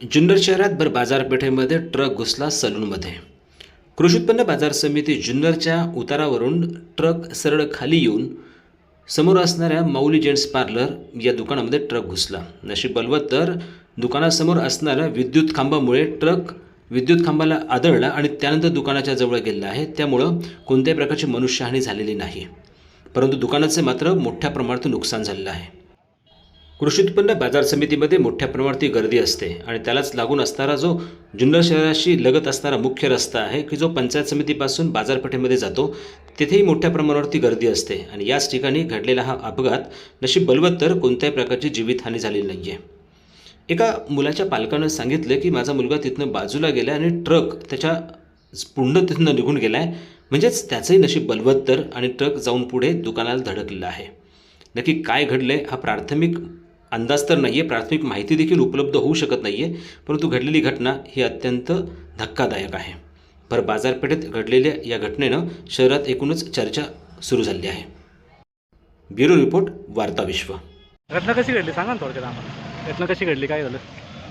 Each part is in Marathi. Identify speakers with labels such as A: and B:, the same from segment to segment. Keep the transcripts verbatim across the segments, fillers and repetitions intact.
A: जुन्नर शहरात भर बाजारपेठेमध्ये ट्रक घुसला सलूनमध्ये। कृषी उत्पन्न बाजार समिती जुन्नरच्या उतारावरून ट्रक सरळ खाली येऊन समोर असणाऱ्या माऊली जेंट्स पार्लर या दुकानामध्ये ट्रक घुसला। नशीब बलवत तर दुकानासमोर असणाऱ्या विद्युत खांबामुळे ट्रक विद्युत खांबाला आदळला आणि त्यानंतर दुकानाच्या जवळ गेला आहे। त्यामुळं कोणत्याही प्रकारची मनुष्यहानी झालेली नाही, परंतु दुकानाचे मात्र मोठ्या प्रमाणात नुकसान झालेलं आहे। कृषी उत्पन्न बाजार समितीमध्ये मोठ्या प्रमाणात गर्दी असते आणि त्यालाच लागून असणारा जो जुन्नर शहराशी लगत असणारा मुख्य रस्ता आहे की जो पंचायत समितीपासून बाजारपेठेमध्ये जातो, तिथेही मोठ्या प्रमाणावरती गर्दी असते आणि याच ठिकाणी घडलेला हा अपघात नशीब बलवत तर कोणत्याही प्रकारची जीवितहानी झालेली नाही आहे। एका मुलाच्या पालकानं सांगितलं की माझा मुलगा तिथनं बाजूला गेला आणि ट्रक त्याच्या पुढं तिथनं निघून गेला आहे, म्हणजेच त्याचंही नशीब बलवत तर आणि ट्रक जाऊन पुढे दुकानाला धडकलेला आहे। नक्की काय घडले हा प्राथमिक अंदाज तर नाही आहे, प्राथमिक माहिती देखील उपलब्ध होऊ शकत नाही आहे, परंतु घडलेली घटना ही अत्यंत धक्कादायक आहे। भर बाजारपेठेत घडलेल्या या घटनेनं शहरात एकूणच चर्चा सुरू झाली आहे। ब्युरो रिपोर्ट, वार्ता विश्व।
B: घटना कशी घडली सांगा ना थोडक्यात आम्हाला। घटना कशी घडली, काय झालं?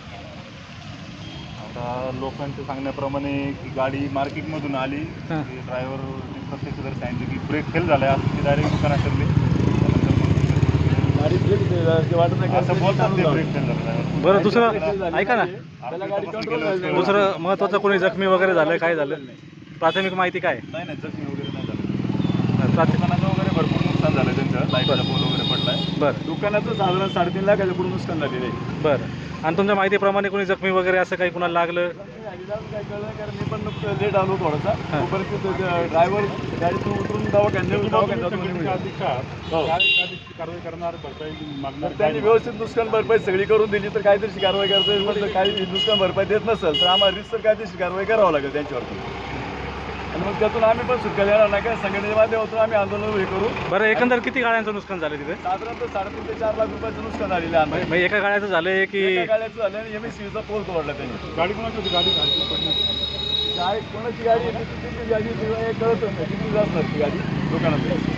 C: आता लोकांच्या सांगण्याप्रमाणे की गाडी मार्केटमधून आली, ड्रायव्हर प्रत्यक्षदर्शी सांगितलं की ब्रेक फेल झाला आहे, असं की डायरेक्ट दुकानात ठरले गाडी ब्रेक वाटत नाही असं बोलतात ते ब्रेक फेल झाला।
B: बरं, दुसरं ऐका ना, दुसरं महत्त्वाचं कोणी जखमी वगैरे झालं, काय झालं? प्राथमिक माहिती काय?
C: नाही नाही जखमी वगैरे नाही झालं। दुकानाचं वगैरे भरपूर नुकसान झालं, त्यांचं लाईटचा पोल वगैरे पडलाय।
B: बरं,
C: दुकानाचं साधारण साडेतीन लाखाच्या पुढे नुकसान झालेलं आहे।
B: बरं, आणि तुमच्या माहितीप्रमाणे कोणी जखमी वगैरे असं काही कुणाला लागलं?
C: काय कळलं, कारण मी पण लेट आलो थोडासा, तोपर्यंत ड्रायव्हर गाडीतून उतरून दवाखान्यात कारवाई करणार, भरपाई मागणार। त्यांनी व्यवस्थित नुकसान भरपाई सगळी करून दिली तर काहीतरी कारवाई करता, काही नुकसान भरपाई देत नसेल तर आम्हाला रिस्क काहीतरी कारवाई करावं लागेल त्यांच्यावरती, आणि मग त्यातून आम्ही पण सुटका देणार नाही का, संघटनेच्या माध्यमातून आम्ही आंदोलन हे करू।
B: बरं, एकंदर किती गाड्यांचं नुकसान झालं तिथे?
C: साधारणतः साडेतीन ते चार लाख रुपयाचं नुकसान झालेलं आहे।
B: म्हणजे एका गाड्याचं झालंय की
C: एका गाड्याचं झालं आणि एम एस सीचा पोल तोडला त्यांनी। गाडी कोणाची होती? गाडी गाडी कोणाची गाडी गाडी कळत नाही किती असणार ती गाडी दुकानात।